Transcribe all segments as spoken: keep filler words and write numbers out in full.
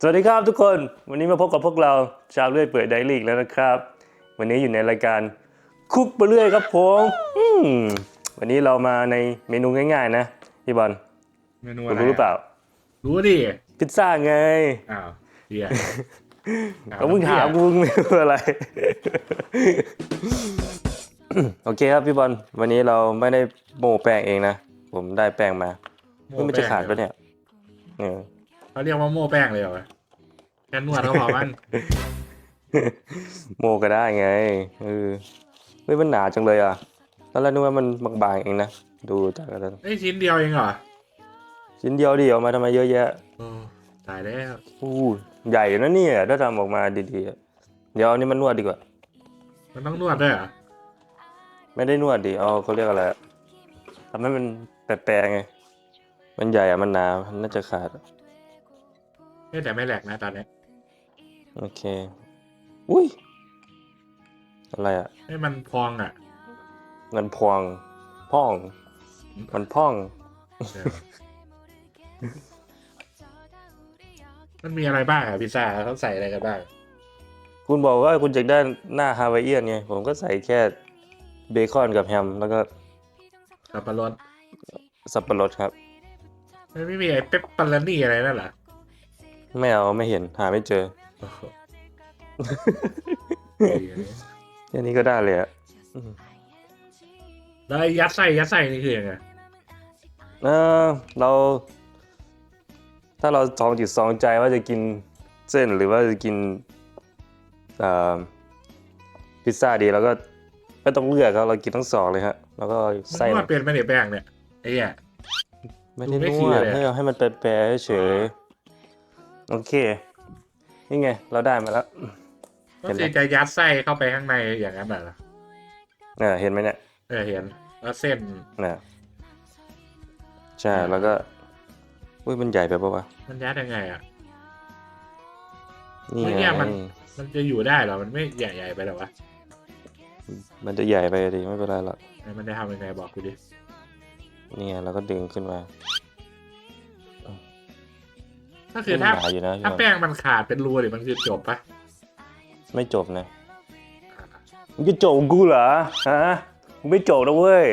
สวัสดีครับทุกคนวันนี้มาพบกับพวกเราชาวเลื่อยเปื่อยไดรี่แล้วนะครับวันนี้อยู่ในรายการคุกไปเรื่อยครับผมอืมวันนี้เรามาในเมนูง่ายๆนะพี่บอลเมนูคุอะไรณรู้หรือเปล่ารู้ดิพิซซ่าไงอ้าวเฮียเขามึงถามกูเมนูอะไร โอเคครับพี่บอลวันนี้เราไม่ได้โม่แป้งเองนะผมได้แป้งมาเพิ่งมันจะขาดปะเนี่ยเออเขาเรียกว่าโม่แป้งเลยเหรอแค่นวดก็พอมั้งโมก็ได้ไงเออเฮ้ยมันหนาจังเลยอ่ะตอนแรกนึกว่ามันบางๆเองนะดูจากกันไอ้ชิ้นเดียวเองเหรอชิ้นเดียวดิเอามาทำไมเยอะแยะโอ้ตายแล้วอู้ใหญ่นะเนี่ยถ้าทำออกมาดีๆอะเดี๋ยวเอานี่มันนวดดีกว่ามันต้องนวดด้วยเหรอไม่ได้นวดดิเอาเขาเรียกอะไรอะทำให้มันแปรๆไงมันใหญ่อะมันหนามันน่าจะขาดอะเฮ้ยแต่ไม่แหลกนะตอนนี้โอเคอุ้ยอะไรอ่ะให้มันพองอ่ะเงินพวงพ่องมันพ่องเออมันมีอะไรบ้างอ่ะพิซซ่าเขาใส่อะไรกันบ้างคุณบอกว่าคุณอยากได้หน้าฮาวายเอียนไงผมก็ใส่แค่เบคอนกับแฮมแล้วก็สับปะรดสับปะรดครับมันไม่มีไอ้เปปเปอโรนี่อะไรนั่นเหรอไม่เอาไม่เห็นหาไม่เจอโอ้โหแค่นี้ก็ได้เลยอ่ะอืมแล้วไอ้ยัดไส้ยัดไส้นี่คือยังไงเออเรา ถ้าเราสองจิตสองใจว่าจะกินเส้นหรือว่าจะกินเอ่อพิซซ่าดีเราก็ไม่ต้องเลือกครับเรากินทั้งสองเลยฮะแล้วก็มันไส้นวดเป็นไหมเนี่ยแป้งเนี่ยไอ้เหี้ยไม่ได้ดูไม่นเคลีวยร์ดเลยอะให้เอาให้มันแปรๆเฉยๆโอเคนี่ไงเราได้มาแล้วก็คือจะยัดไส้เข้าไปข้างในอย่างนั้นเหรอเนี่ยเห็นไหมเนี่ยเออเห็นแล้วเส้นเนี่ยใช่แล้วก็อุ้ยมันใหญ่ไปปะวะมันยัดยังไงอ่ะนี่เฮ้ยไงเนี่ยมัน มันจะอยู่ได้เหรอ มันไม่ใหญ่ๆไปหรอวะมันจะใหญ่ไปดิไม่เป็นไรหรอกไหนมันจะทำยังไงบอกกูดินี่ไงเราก็ดึงขึ้นมาก็คือถ้าหนาอยู่นะถ้าพี่บอลแป้งมันขาดเป็นรูเนี่ยมันคือจบปะไม่จบนะมึงจะจบกูเหรอฮะมึงไม่จบนะเว้ย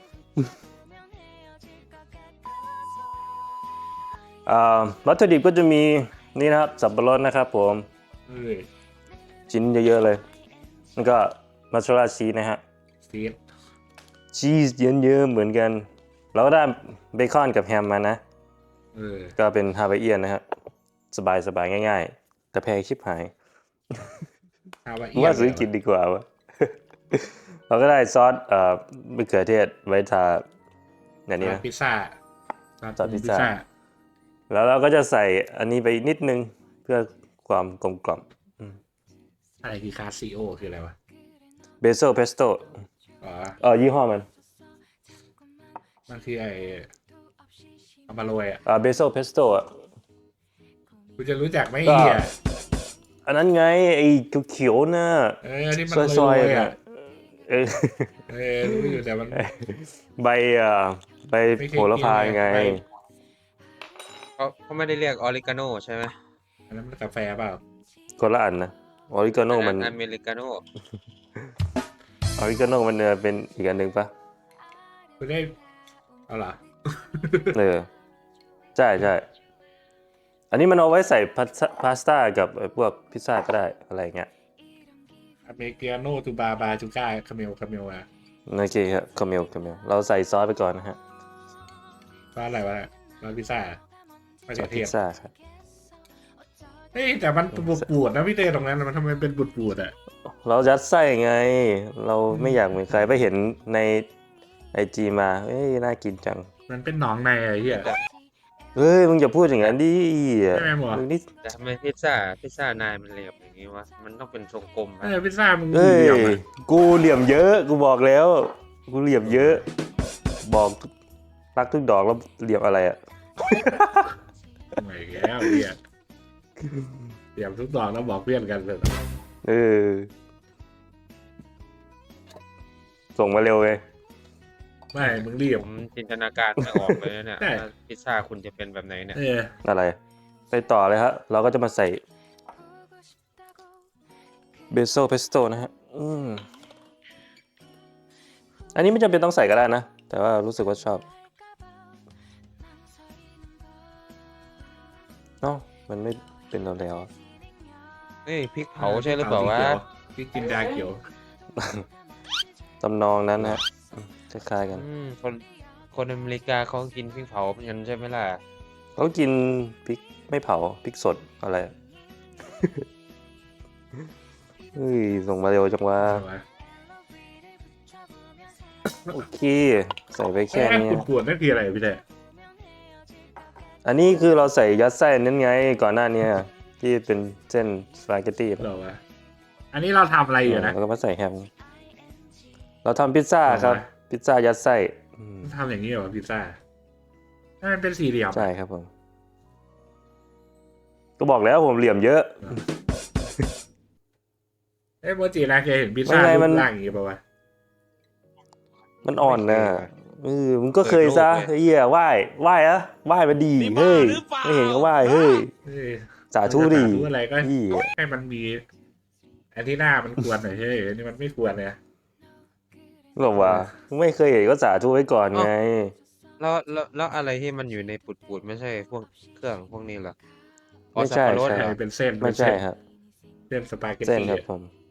อ่าวัตถุดิบก็จะมีนี่นะครับสับปะรดนะครับผมเอ้ยชิ้นเยอะๆเลยแล้วก็มัสซาเรลล่าชีสนะฮะซีดชีสเยอะๆเหมือนกันแล้วก็ได้เบคอนกับแฮมมานะเออก็เป็นฮาวายเอียนนะฮะสบายๆง่ายๆแต่แพงชิบหายฮาวายว่าซื้อกินดีกว่าวะ เราก็ได้ซอสเอ่อมะเขือเทศไว้ทาอย่างนี้ซอนะสพิซซ่าซอสพิซซ่า แล้วเราก็จะใส่อันนี้ไปนิดนึงเพื่อความกลมกล่อมอะไรคือคาซิโอคืออะไรวะเบโซเพสโต้อ๋อเออยี่ห้อมันมันคือไอ้เอามาโรยอ่ะอ่าเบโซเพสโต้อ่ะกูจะรู้จักไหมก็เหี้ยอันนั้นไงไอ้เขียวๆน่ะเออที่มันซโรอยยๆๆอ่ะอ่ะเออเออรู้อยู่แต่มันใบอ่าใบไม่เคยโหระพากินเลยไงใบเขาเขาไม่ได้เรียกออริกาโนใช่ไหมอันนั้นมันกาแฟเปล่าคนละอันนะออริกาโนมันอเมริกาโนออริกาโนมันเออเป็นอีกอันหนึ่งปะกูได้เอาเหรอเออใช่ใช่อันนี้มันเอาไว้ใส่พาสพาสต้ากับไอ้พวกพิซซ่าก็ได้อะไรเงี้ยอเมริกาโน่ตูบาบาจูก้าคาเมลคาเมลอ่ะโอเคครับคาเมลคาเมลเราใส่ซอสไปก่อนนะฮะร้านอะไรวะเนี่ยร้านพิซซ่าไม่ซอใช่สเทพิพซซ่าครับเฮ้ยแต่มันบูดบูดนะพี่เต้ตรงนั้นมันทำไมเป็นบูดบูดอ่ะเรายัดไส้ไง เราไม่อยากเหมือนใครไปเห็นในไอจีมาเอ้ยน่ากินจังมันเป็นหนองในไอ้เหี้ยเฮ้ยมึงอย่าพูดอย่างนั้นดิใช่ไหมหมอมึงนี่แต่ทำไมพิซซ่าพิซซ่านายมันเหลี่ยมอย่างนี้วะมันต้องเป็นทรงกลมเอนะอพิซซ่ามึงเฮ้ยเหลี่ยมอะกูเหลี่ยมเยอะกูบอกแล้วกูเหลี่ยมเยอะ บอกทุกรักทุกดอกแล้วเหลี่ยมอะไรอ่ะไม่แล้วเหี้ยเหลี่ยมทุกดอกแล้วบอกเพื่อนกันเลยเออส่งมาเร็วไงไม่มึงเหลี่ยผม มจินตนาการไม่ออกเลยเนี่ยใช่ว่าพิซซ่าคุณจะเป็นแบบไหนเนี่ยเอออะไรไปต่อเลยครับเราก็จะมาใส่เบโซเพสโต้นะฮะอืมอันนี้ไม่จำเป็นต้องใส่ก็ได้นะ แต่ว่ารู้สึกว่าชอบเอ้ามันไม่เป็นเราแล้วเฮ้ยพริกเผาใช่หรือเปล่าวะพริกจินดาเขียวตำนองนั้นนะฮะอืมคล้ายๆกันอืมคนคนอเมริกาเขากินพริกเผาเหมือนกันใช่ไหมล่ะเขากินพริกไม่เผาพริกสดอะไรอะ เฮ้ยส่งมาเร็วจังวะโอเค ใส่ไปแค่แค่นี้ขุ่นขวดนั่นคืออะไรพี่เต้อันนี้คือเราใส่ยัดไส้นั่นไงก่อนหน้านี้ที่เป็นเส้นสปาเกตตี้เหรอวะอันนี้เราทำอะไรอยู่นะแล้วก็มาใส่แฮมเราทำพิซซ่าครับเอาวะพิซซ่ายัดไส้อืมทำอย่างนี้เหรอพิซซ่าถ้ามันเป็นสี่เหลี่ยมใช่ครับผมก็บอกแล้วผมเหลี่ยมเยอะเอ้ยโมจินะเคยเห็นพิซซ่าไม่ไงรูมันปร่างอย่างงี้ป่าวะมันอ่อนนะไม่เคยเออมึงก็เคยซะเปิดโลกเลยไอ้เหี้ยไหว้ไหว้อะไหว้มาดีเฮ้ยไม่เห็นก็ไหว้เฮ้ยเฮ้ยสาธุดีสาธุอะไรก็พี่ให้มันมีอันที่หน้ามันควรหน่อยเฮ้ยอันนี้มันไม่ควรเนี่ยบอกว่าไม่เคยเห็นก็สาธุไว้ก่อนไงแล้วแล้วแล้วอะไรที่มันอยู่ในปุดๆไม่ใช่พวกเครื่องพวกนี้เหรออ๋อไม่ใช่สับปะรดใช่เหรอเป็นเส้นไม่เป็นใช่เส้นครับเส้นสปาเกตเส้นตี้ครับผม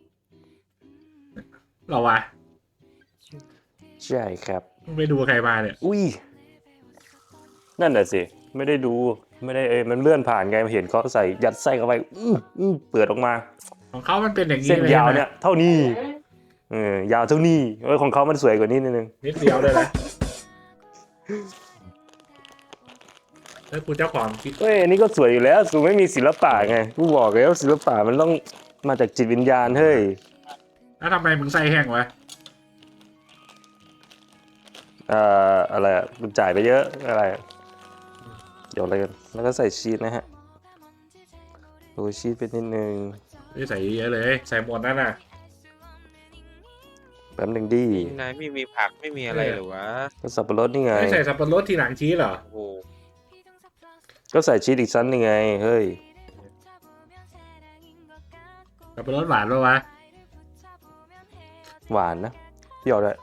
เหรอวะใช่ครับมึงไปดูใครมาเนี่ยอุ้ยนั่นแหละสิไม่ได้ดูไม่ได้เอยมันเลื่อนผ่านไงเห็นเขาใส่ยัดไส้เข้าไปอื้ออื้อเปิดออกมาของเขามันเป็นอย่างนี้เส้นเลยยาวใช่ไหมเนี่ยเท่านี้เออยาวเท่านี้เออของเขามันสวยกว่านี้นิดนึงนิดเดียวเลยนะแล้วกูเจ้าของคิดเฮ้ยอันนี้ก็สวยอยู่แล้วกูไม่มีศิลปะไงกูบอกแล้วศิลปะมันต้องมาจากจิตวิญญาณเฮ้ยแล้วทำไมมึงใส่แห้งวะเอ่ออะไรอ่ะมันจ่ายไปเยอะอะไรอะเดี๋ยวอะไรกันแล้วก็ใส่ชีสนะฮะโรยชีสไปนิดนึงไม่ใส่เยอะเลย ใส่หมดนั่นน่ะแป๊บหนึงดินายไม่มีผักไม่มีอะไรเหรอวะก็สับปะรดนี่ไงไม่ใส่สับปะรดทีหลังชีสเหรอโอ้โหก็ใส่ชีสอีกชั้นหนึงไงเฮ้ยสับปะรดหวานปะวะหวานนะเปรี้ยวด้วย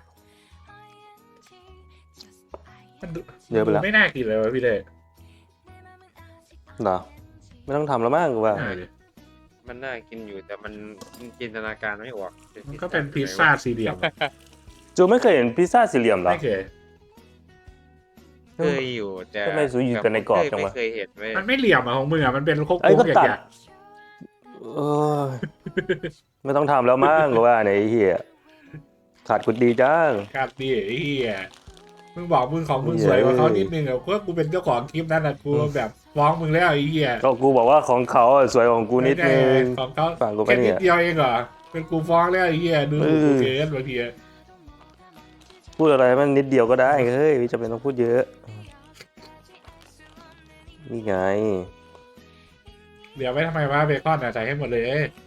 มันดูเยอะไปแล้วไม่น่ากินเลยวะพี่เดชเหรอไม่ต้องทำแล้วมั้งกูว่าใช่ดิมันน่ากินอยู่แต่มันจินตนาการไม่ออกมันก็เป็นพิซซ่าสี่เหลี่ยมอะจูไม่เคยเห็นพิซซ่าสี่เหลี่ยมเหรอไม่เคยเคยอยู่แต่ทำไมสูอยู่แต่ในกรอบจังวะไม่เคยเห็นเว้ยมันไม่เหลี่ยมอะของมึงอะมันเป็นโค้งไอ้ๆก็อตัดย่างเออไม่ต้องทำแล้วมั้งกูว่าเนี่ยไอ้เหี้ยขาดกุดดีจังๆครับดิไอ้เหี้ยมึงบอกมึงของมึงเหี้ยสวยกว่าเขานิดนึงอะเพราะกูเป็นเจ้าของคลิปนั้นอะกูแบบฟ้องมึงแล้วไอ้เหี้ยก็กูบอกว่าของเขาอะสวยกว่าของกูนิดนึงไม่ใช่ของเขาฝากกูไปแค่เนี่นิยดเดียวเองเหรอเป็นกูฟ้องแล้วไอ้เหี้ยดูเออกูเกินบางทีอะพูดอะไรมันนิดเดียวก็ได้เฮ้ยไม่จำเป็นต้องพูดเยอะนี่ไงเดี๋ยวไว้ทำไมวะเบคอนอะใส่ให้หมดเลย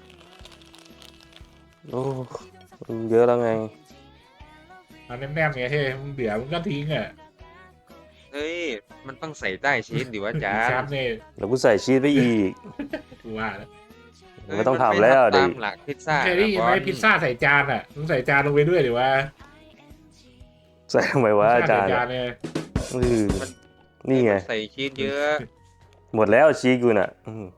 โอ้มันเยอะแล้วไงเอาแน่นๆไงเฮ้ยมึงเดี๋ยวมึงก็ทิ้งอะเฮ้ยมันต้องใส่ใต้ชีสดิวะจ๊ะชัดเนี่ยเดี๋ยวกูใส่ชีสไปอีกกูว่าแล้วไม่ต้องทำแล้วเดิดิตามหลักพิซซ่าเคยได้ยินไหมบอลพิซซ่าใส่จานอะมึงใส่จานลงไปด้วยหรือว่าใส่ทำไมวะอาจารย์พิซซ่ใส่จานเนี่ยอือนี่ไงใส่ชีสเยอะหมดแล้วชีสกูน่ะอืม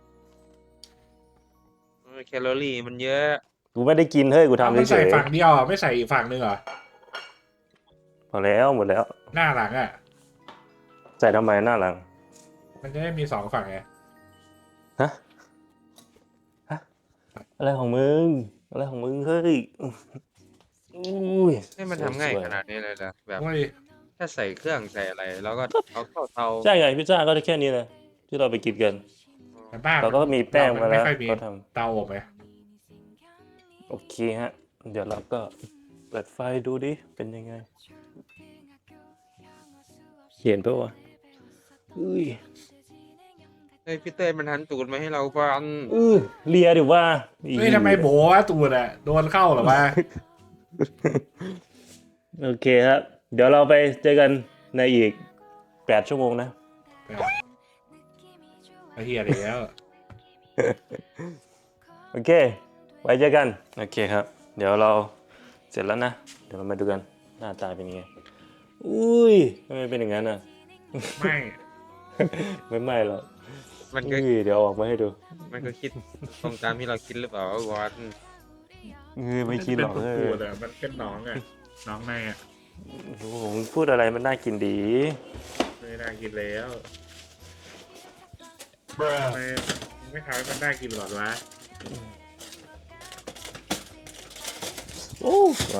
เออแคลอรี่มันเยอะกูไม่ได้กินเฮ้ยกูเอาทำมึงเฉใส่ยฝั่งเดียวอะไม่ใส่อีกฝั่งหนึ่งเหรอๆพอแล้วหมดแล้วหน้าหลังอะใส่ทำไมหน้าหลังมันจะได้มีสองฝั่งไงฮะฮะอะไรของมึงอะไรของมึงเฮ้ยอุ้ยให้มันทำง่ายสวยๆขนาดนี้เลยนะแบบโอ้ยถ้าใส่เครื่องใส่อะไรแล้วก็เอาเข้าเตาใช่ไงพิซซ่าก็ได้แค่นี้เลยที่เราไปกินกันแต่บ้านเราก็มีแป้งมาแล้วไม่ค่อยมีก็ทเตาอบไหมำโอเคฮะ เดี๋ยวเราก็เปิดไฟดูดิ เป็นยังไง เห็นปะวะอุ้ยเฮ้ยพี่เต้ยมันหันตูดมาให้เราฟังอือเลียดิว่าเฮ้ยทำไมโบวะตูดอะโดนเข้าเหรอวะโอเคครับ เดี๋ยวเราไปเจอกันในอีกแปดชั่วโมงนะใไอ้เหี้ยแล้วโอเค ไว้เจอกัน โอเคครับ เดี๋ยวเราเสร็จแล้วนะ เดี๋ยวเรามาดูกันหน้าตาเป็นยังไง อุ้ยทำไมเป็นอย่างนั้นอ่ะไม่ไม่ไม่หรอกมันก็อุ้ยเดี๋ยวเอาออกมาให้ดูมันก็คิดตรงตามที่เราคิดหรือเปล่าวะวอนเออไม่คิดหรอกมันเอเป็นอปูดอ่ะมันเป็นน้องอ่ะน้องในอ่ะโอ้โหพูดอะไรมันน่ากินดีไม่น่ากินแล้วทำไมไม่ทำให้มันน่ากินหรอวะโอ้ร้อน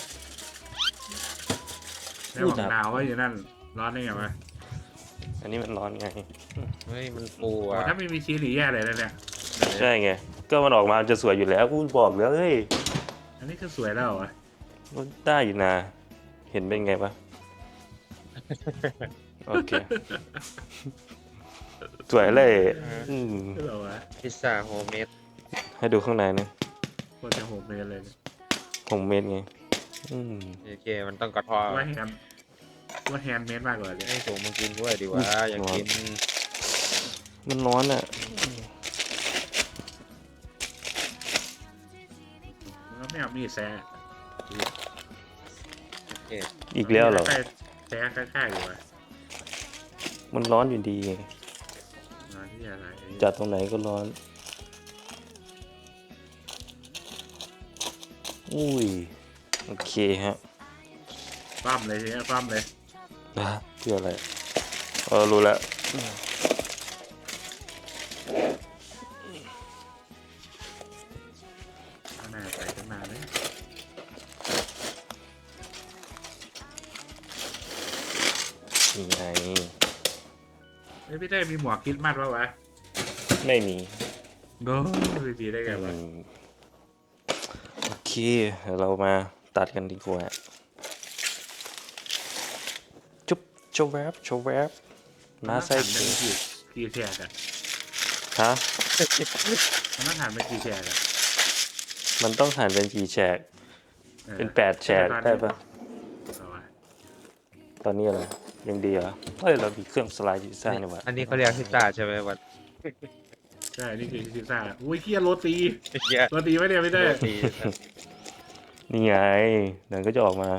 แล้วของดาวไว้อยู่นั่นร้อนได้ไงวะอันนี้มันร้อนไงเฮ้ยมันปูโอ้อ่ะถ้าไม่มีชีสหรือแย่เลยนะเนี่ยใช่ไง ก็มันออกมาจะสวยอยู่แล้วกูบอกแล้วเฮ้ยอันนี้คือสวยแล้วเหรอวะมันได้อยู่นะ เห็นเป็นไงปะ โอเค สวยเลยอืมคือเหรอวะพิซซ่าโฮมเมดให้ดูข้างในนะโคตรจะโหดเลยเลยเนี่ยผมเม็ดไง อืมโอเคมันต้องกระเทอว่าแฮนด์ว่าแฮนด์เมดมากกว่าเลยให้สูงมากินด้วยดีวะอยากกินมันร้อนอ่ะแล้วไม่เอามีดแซะโอเคอีกแล้วเหรอใกล้แซะใกล้ๆอยู่วะมันร้อนอยู่ดีไงมาที่อะไรจัดตรงไหนก็ร้อน อุ้ย โอเคฮะปั้มเลยทีนี้ปั้มเลยนะเพื่ออะไร เออ รู้แล้วข้างหน้าใส่ขึ้นมาเลยนี่ไงเฮ้ยพี่เต้มีหมวกคริดมัดปะวะไม่มีโดพี่พีได้ไงวะอืมโอเคเดี๋ยวเรามาตัดกันดีกว่า จุ๊บโชว์แวบโชว์แวบมาใส่มันต้องหั่นเป็นกี่กี่แฉกอะฮะมันต้องหั่นเป็นกี่แฉกอะมันต้องหั่นเป็นกี่แฉกออเป็นแปดแฉกได้ปะเอาวะตอนนี้อะไรยังดีเหรอเฮ้ย เรามีเครื่องสไลด์พิซซ่านี่หว่าอันนี้เขาเรียกพิซซ่าใช่ไหมวันใช่ นี่คือพิซซ่าอุ้ยเคียโรตีเหี้ยโรตีไม่เนี่ยพี่เต้โรตีนี่ไงเดี๋ยวก็จะออกมา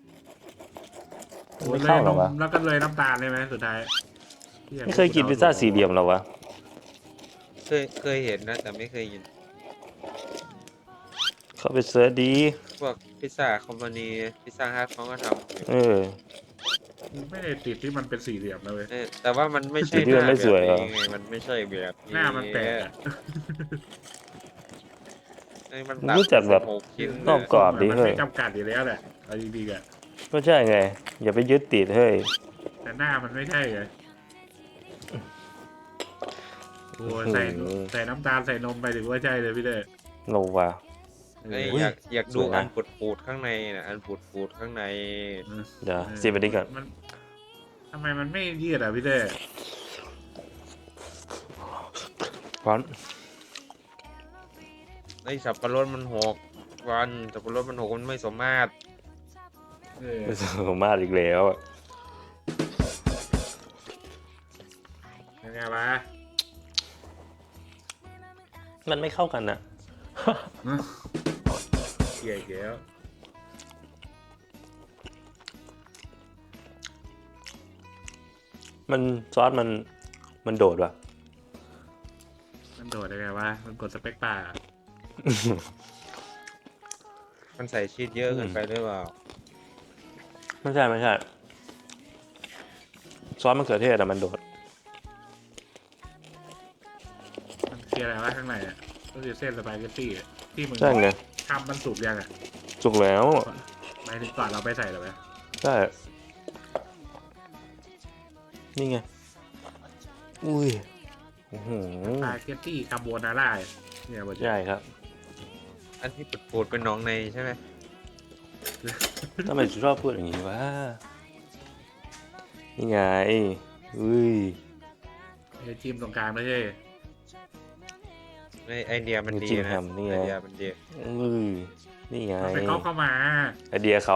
โอ้ไม่ยเลเข้าย หรนอมวะแล้วก็เลยน้ำตาลเลยไหมสุดท้ายหี้ไม่เคยกินพิซซ่าสี่เหลี่ยมหรอวะเคยเคยเห็นนะแต่ไม่เคยกินเข้าไปเสิร์ชดีพวกพิซซ่าคอมพานีพิซซ่าฮัทเขาก็ทำอยู่เออไม่ได้ติดที่มันเป็นสี่เหลี่ยมนะเว้ยเออแต่ว่ามันไม่ใช่จุดที่หมันน้าไม่แบสบวยเหรอนี้ไงมันไม่ใช่แบบนี้หน้ามันแปลกอะเอ้ยมันมันรู้จักแบบหกชิ้นนอกกรอบดิมันเฮ้ยไม่จำกัดอยู่แล้วแหละเอาดีๆอะก็ใช่ไง อย่าไปยึดติดเฮ้ยแต่หน้ามันไม่ใช่ไงโอ้ยใส่โอ้โหใส่น้ำตาลใส่นมไปถึงว่าใช่เลยพี่เต้โนวาเอ้ยอุ้ยอยากอยากดูสวยนะอันปูดปูดๆข้างในนะอันปูดปูดๆข้างในเดี๋ยวซีไปดิก่อนมันทำไมมันไม่ยืดอ่ะพี่เต้ร้อนไอ้สับปะรดมันหกวันสับปะรดมันหกมันไม่สมมาตรเออไม่สมมาตรอีกแล้วอะยังไงวะมันไม่เข้ากันอะเกลียดอีกแล้วมันซอสมันมันโดดว่ะมันโดดยังไงวะมันกดสเปคป่าร์มันใส่ชีสเยอะเกินไปหรือเปล่าไม่ใช่ไม่ใช่ ซอสมะเขือเทศอะมันโดดมันคืออะไรวะข้างในอ่ะก็คือเส้นสปาเกตตี้อะที่มึงใช่ไงทำมันสุกยังอ่ะสุกแล้วหมายถึงก่อนเราไปใส่หรอไหมใช่ นี่ไง อุ้ยโอ้โหสปาเกตตี้คาโบนาร่าเนี่ยบนใช่ครับอันที่ปูดปูดๆเป็นหน้องในใช่ไหมทำไมชอบพูดอย่างนี้วะ นี่ไง อุ้ยไอ้จิ้มตรงกลางไม่ใช่ไอไอเดียมันดีจิ้มนะแฮมนี่ไงไอเดียมันดีอุ้ย นี่ไงมันไปก๊อปเข้ามาไอเดียเขา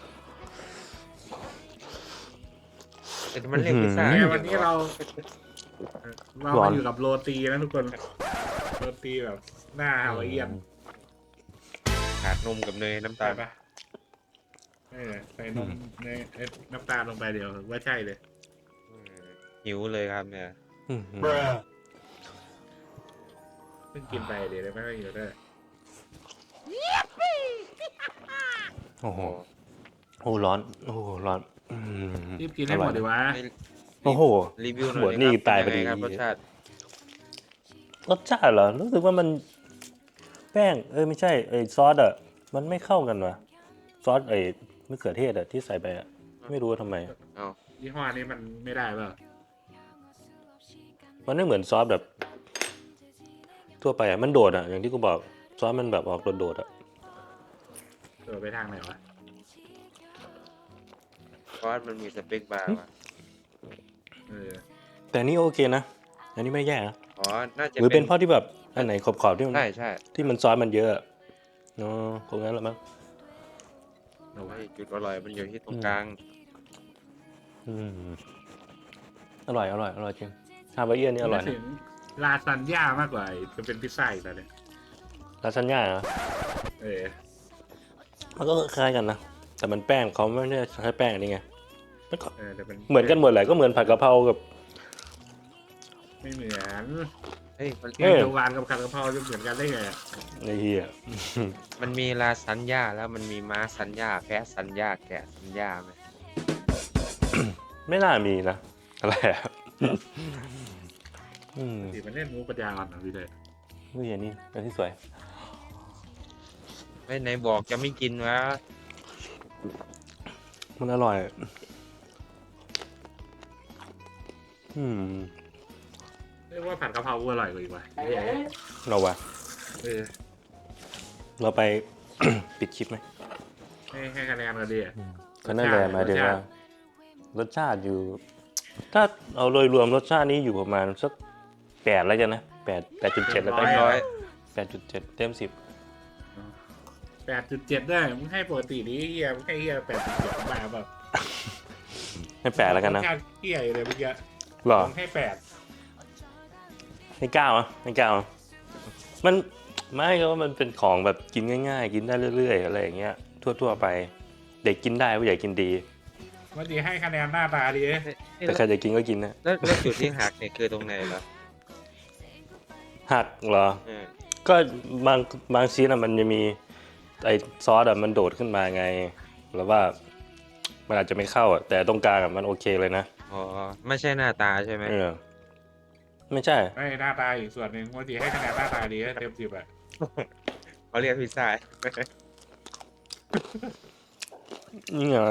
แต่มันเรียกพิซซ่าอืมเนี่ยวันนี้เราเราร้อมาน อยู่กับโรตีนะทุกคนโรตีแบบหน้าฮาวายเอียนขาดนมกับเนยน้ำใช่ตาลปะเออใส่นมในเอ้ยน้ำตาลลงไปเดียวว่าใช่เลยอืมหิวเลยครับเนี่ยอืมเพิ่งกินไปเดี๋ยวได้ไม่ค่อยอยู่ด้วยโอ้โหโอ้ร้อนโอ้โหร้อนอืมรีบกินให้หมดดีวะไม่โอ้โหรีวิวหน่หัอวย นี่ครับตายพเป็อน ดีงไงครับรสชาติรสชาติเหรอรู้สึกว่ามันแป้งเอ้ยไม่ใช่ไอ้ซอสอ่ะมันไม่เข้ากันว่ะซอสไอ้มะเขือเทศอ่ะที่ใส่ไปอ่ะไม่รู้ว่าทำไมเอายี่ห้อนี้มันไม่ได้เปล่ามันไม่เหมือนซอสแบบ ทั่วไปอ่ะมันโดดอ่ะอย่างที่กูบอกซอสมันแบบออกโดดๆอ่ะเออไปทางไหนวะเพราะว่ามันมีสเปคบาร์ว่ะเออแต่อันนี่โอเคนะอันนี้ไม่แย่นะอ๋อน่าจะหรือเป็นเพราะที่แบบอันไหนขอบๆที่มันใช่ใช่ที่มันซอสมันเยอะอะอ๋อคงงั้นแหละมั้งเอาวะไอ้จุดอร่อยมันอยู่ที่ตรงกลางอืมอร่อยอร่อยอร่อยจริงฮาวายเอียนนี่อร่อยนึกนะถึงลาซานญ่ามากกว่าไอ้จะเป็นพิซซ่าอีกแล้วเนี่ยลาซานญ่าเหรอเออมันก็คล้ายๆกันนะแต่มันแป้งเขาไม่ได้ใช้แป้งอันนี้ไงมันก็เออแต่เป็นเหมือนกันหมดแหละก็เหมือนผัดกะเพรากับไม่เหมือนเฮ้ยมันแกงเขียวหวานกับผัดกะเพราจะเหมือนกันได้ไงอะไอ้เหี้ยมันมีลาซันญ่าแล้วมันมีม้าซันญ่าแพะซันญ่าแกะซันญ่าไหมไม่น่ามีนะอะไรอะอืมสิมันเล่นมูปัญญาอ่อนนะพี่เลยนี่อันนี้อันที่สวยไม่ไหนบอกจะไม่กินวะมันอร่อย อืมเรียกว่าผัดกะเพรากูอร่อยกว่าอีกว่ะเหี้ยเราวะเออเราไป ปิดคลิปไหมให้ให้คะแนนกันดีอะก็นั่นแหละหมายถึงว่ารสชาติอยู่ ถ้าเอาโดยรวมรสชาตินี้อยู่ประมาณสักแปดแล้วกันนะแปดแปดจุดเจ็ดแล้วกันร้อยแปดจุดเจ็ดเต็มสิบแปดจุดเจ็ดได้มึงให้ปกตินี้เฮียมึงให้เฮียแปดจุดเจ็ดมาแบบให้แปดแล้วกันนะรสชาติเฮียเลยเมื่อกี้หรอมึงให้แปดให้เก้าอ่ะให้เก้าอ่ะมันไม่ก็ว่ามันเป็นของแบบกินง่ายๆ กินได้เรื่อยๆอะไรอย่างเงี้ยทั่วๆไป เด็กกินได้ผู้ใหญ่กินดีเมื่อกี้ให้คะแนนหน้าตาดีเอ้ยแต่ใครจะกินก็กินนะแล้วแล้วจุดที่หักเนี่ยคือตรงไหนเหรอหักเหรอเออก็บางบางชิ้นอะมันจะมีไอซอสอะมันโดดขึ้นมาไง แล้วว่ามันอาจจะไม่เข้าอะแต่ตรงกลางอะมันโอเคเลยนะอ๋อไม่ใช่หน้าตาใช่ไหมเออไม่ใช่ให้หน้าตาอีกส่วนหนึ่งเมื่อกี้ให้คะแนนหน้าตาดีเต็มสิบอะเขาเรียกพิซซ่านี่ไง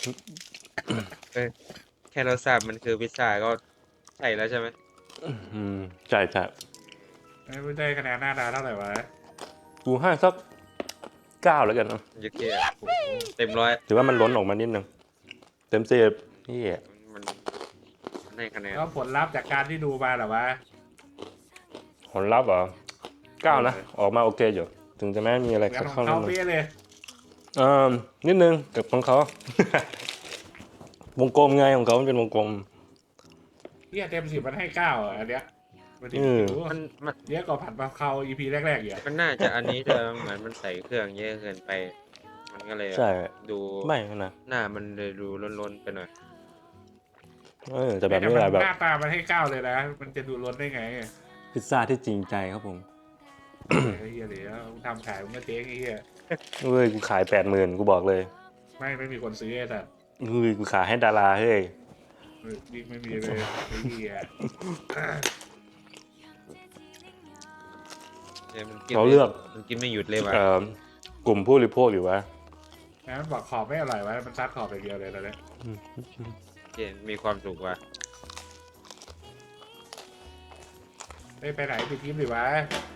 แค่เราทราบมันคือพิซซ่าก็ใช่แล้วใช่ไหมอืมใช่ใช่ไม่ได้คะแนนหน้าตาเท่าไหร่วะกูให้สักเก้าแล้วกันเนอะยึดเกียเต็มร้อยถือว่ามันล้นออกมานิดนึงเต็มสิบนี่มันมันให้คะแนนก็ผลลัพธ์จากการที่ดูมาเหรอวะผลลัพธ์เหรอเก้านะ ออกมาโอเคอยู่ ถึงจะไม่มีอะไรเหมือนขัดของข้องนิดนึงเขาเปี้ยเลยเอ่อนิดนึงกับของเขา วงกลมไงของเขามันเป็นวงกลมเฮียเต็มสิบมันให้เก้าอ่ะอันเนี้ยมันดีอืมมันมันเยอะกว่าผัดกะเพราอีพีแรกๆอีกอะมันน่าจะอันนี้จะเหมือนมันใส่เครื่องเยอะเกินไป มันก็เลยใช่ดูไม่นะหน้ามันเลยดูล้นๆไปหน่อยเออแต่แบบนี้มัแหละแบบหน้าตามันให้เก้าเลยนะ มันจะดูล้นได้ไงพิซซ่าที่จริงใจครับผมไอ้เฮียเดี๋ยวมึงทำขายมึงก็เจ๊งไอ้เฮียเฮ้ยกูขายแปดหมื่นกูบอกเลยไม่ไม่มีคนซื้อไอ้สัตว์เฮ้ยกูขายให้ดาราเฮ้ยยิ่งไม่มีเลยไอ้เฮียเนี่ยมันกินเราไม่เลือกมันกินไม่หยุดเลยว่ะเอ่อกลุ่มผู้บริโภคอยู่วะนะมันบอกขอบไม่อร่อยวะมันซัดขอบอย่างเดียวเลยตอนเนี้ยเจนมีความสุขว่ะไม่ไปไหนไปทีมหรือวะ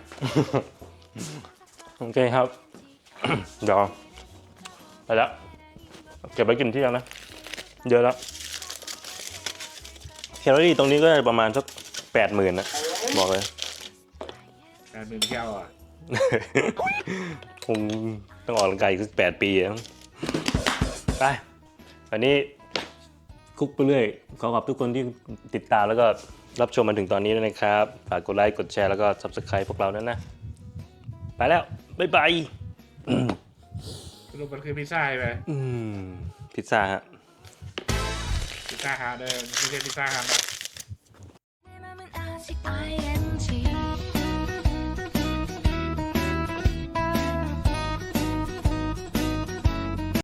โอเคครับ เดี๋ยวไปแล้วเก็บไว้กินเที่ยงนะเยอะแล้วแคลอรี่ตรงนี้ก็ประมาณสักแปดหมื่นนะบอกเลยแปดหมื่นแก้วอ่ะคงต้องออกกำลังกายอีกสักแปดปีอะไปวันนี้คุกไปเรื่อยขอขอบทุกคนที่ติดตามแล้วก็รับชมมาถึงตอนนี้ด้วยนะครับ ฝากกดไลค์ กดแชร์ แล้วก็ ซับสไครบ์ พวกเราด้วยนะ ไปแล้ว บ๊ายบายสรุปมันคือพิซซ่าใช่ไหมอืม พิซซ่าฮะพิซซ่าฮาร์ดเด้อไม่ใช่พิซซ่าฮาร์ดนะ 내 맘은 아직 I